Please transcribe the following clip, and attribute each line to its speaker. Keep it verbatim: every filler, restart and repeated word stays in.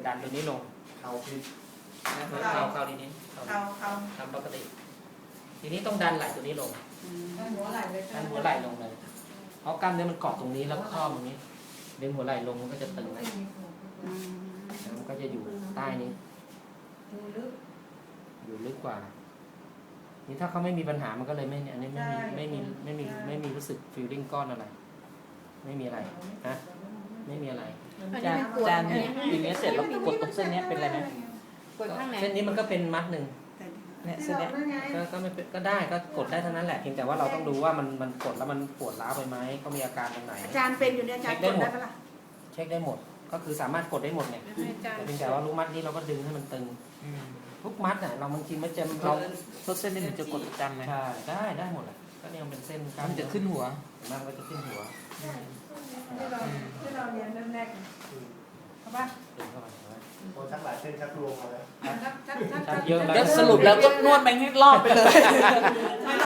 Speaker 1: ดันตัวนี้ลง
Speaker 2: เขาพิษ
Speaker 1: เข้าเข้าทีนี้
Speaker 3: เอาเอา
Speaker 1: ทำปกติ ทีนี้ต้องดันไหล่ตัวนี้ลง
Speaker 3: ดันหัวไหล่เลย
Speaker 1: ดันหัวไหล่ลงเลยเพราะกล้ามเนื้อมันเกาะตรงนี้แล้วครอบตรงนี้ดึงหัวไหล่ลงมันก็จะตึงนะแล้วมันก็จะอยู่ใต้นี้
Speaker 3: ดูลึก
Speaker 1: อยู่ลึกกว่า นี่ถ้าเขาไม่มีปัญหามันก็เลยไม่อันนี้ไม่มีไม่มีไม่มีไม่มีรู้สึกฟีลลิ่งก้อนอะไร ไม่มีอะไรนะไม่มีอะไร
Speaker 4: จานจานอย่างเงี้ยเสร็จแล้วกดตรงเส้นเนี้ยเป็นอะไรไหม
Speaker 3: กดข้างไหน
Speaker 1: เส้นนี้มันก็เป็นมัดหนึ่ง
Speaker 4: เนี่ยเส้นเนี้ย
Speaker 1: ก็ก็ไม่เป็นก็ได้ก็กดได้เท่านั้นแหละเพียงแต่ว่าเราต้องดูว่ามันมันกดแล้วมันปวดร้าวไปไหมเขามีอาการตรงไหน
Speaker 3: อาจารย์เป็นอยู่เนี่ยอาจารย์กดได้ปะล่ะ
Speaker 1: เช็คได้หมด ก็คือสามารถกดได้หมดเนี่ย
Speaker 3: อาจารย์
Speaker 1: แต่เพียงแต่ว่าลูกมัดนี้เราก็ดึงให้มันตึง
Speaker 4: อืม
Speaker 1: ทุกมัดน่ะเราบางทีมันจะ
Speaker 4: เรา
Speaker 1: เรา
Speaker 4: เส้นนี้มันจะกดประจำไหม
Speaker 1: ใช่ได้ได้หมดแหละก็เนี่ยมันเป็นเส้นกล้าม
Speaker 4: มันจะขึ้นหัว
Speaker 1: เห็นไหมมันก็จะขึ้นหัว
Speaker 3: ที่เราที่เราเรียนเริ่มแรกเอาป่ะ
Speaker 1: ดึงเข้าไปเห็นไหม
Speaker 2: โอ้ชักหลายเส้นชักรวมมาแล้ว
Speaker 3: ชักชักชัก
Speaker 1: ชักเยอะแล้ว
Speaker 4: แล้วสรุปแล้วก็นวดแมงให้รอบไปเลย